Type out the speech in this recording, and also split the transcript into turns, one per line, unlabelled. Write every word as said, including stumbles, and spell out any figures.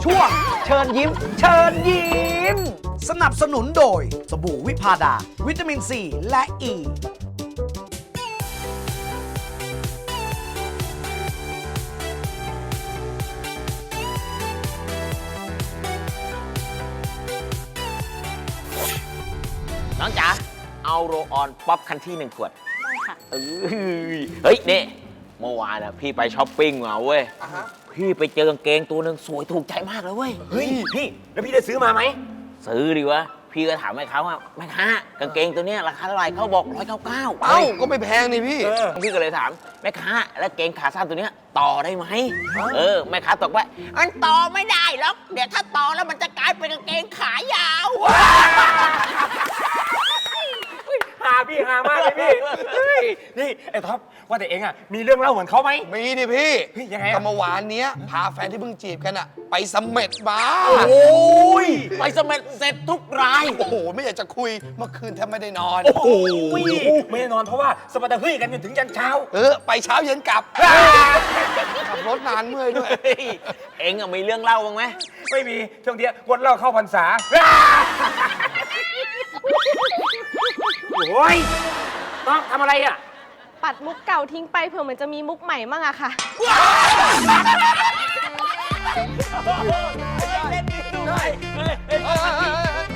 ช่วงเชิญยิ้ม เชิญยิ้ม สนับสนุนโดยสบู่วิพาดา วิตามินซีและอ e. ี
น้องจ๋าเอาโรออนป๊อปคันที่หนึ่งขวด
ได้ค่ะ
เอ้ยเฮ้ยนี่เมื่อวานนะพี่ไปช้อปปิ้งมาเว้ยพี่ไปเจอกางเกงตัวหนึ่งสวยถูกใจมากเลยเว้ย
เฮ้ยพี่แล้วพี่ได้ซื้อมาไหม
ซื้อดิวะพี่ก็ถามแม่ค้าว่าแม่ค้ากางเกงตัวเนี้ยราคาเท่าไหร่เขาบอกร้อยเก้าเก้า
เอ้าก็ไม่แพงนี่พี่
พี่ก็เลยถามแม่ค้าแล้วเกงขาสั้นตัวเนี้ยต่อได้ไหมเออแม่ค้าตอบว่ามันต่อไม่ได้หรอกเดี๋ยวถ้าต่อแล้วมันจะกลายเป็นกางเกงขายาว
หาพี่หามากเลยพี่เฮ้ยนี่ไอ้ท็อปว่าแต่เองอ่ะมีเรื่องเล่าเหมือนเขาไหม
มีดิพี่
เฮ้ยยังไงอะ
ก็เมื่อวานเนี้ยพาแฟนที่เพิ่งจีบกันอะไปเสมเม็ดมา
โอ้ยไปสมัครเสร็จทุกราย
โอ้โห ไม่อยากจะคุยเมื่อคืนแทบไม่ได้นอน
โอ้โหไม่ได้นอนเพราะว่าสปาร์ตาเฮ้ยกันจนถึงยันเช้า
เออ ไปเช้าเย็นกลับ ขับรถนานเมื่อยด้วย
เฮ้ยเอ็งอะมีเรื่องเล่าบ้างไหม
ไม่มีช่วงเนี้ยงดเหล่าเข้าพรรษาโอ้ยต้องทำอะไรอ่ะ
ปัดมุกเก่าทิ้งไปเผื่อมันจะมีมุกใหม่มั่งอะค่ะ
เล่นดีด้วย
เฮ้ยเฮ้ยเฮ้ย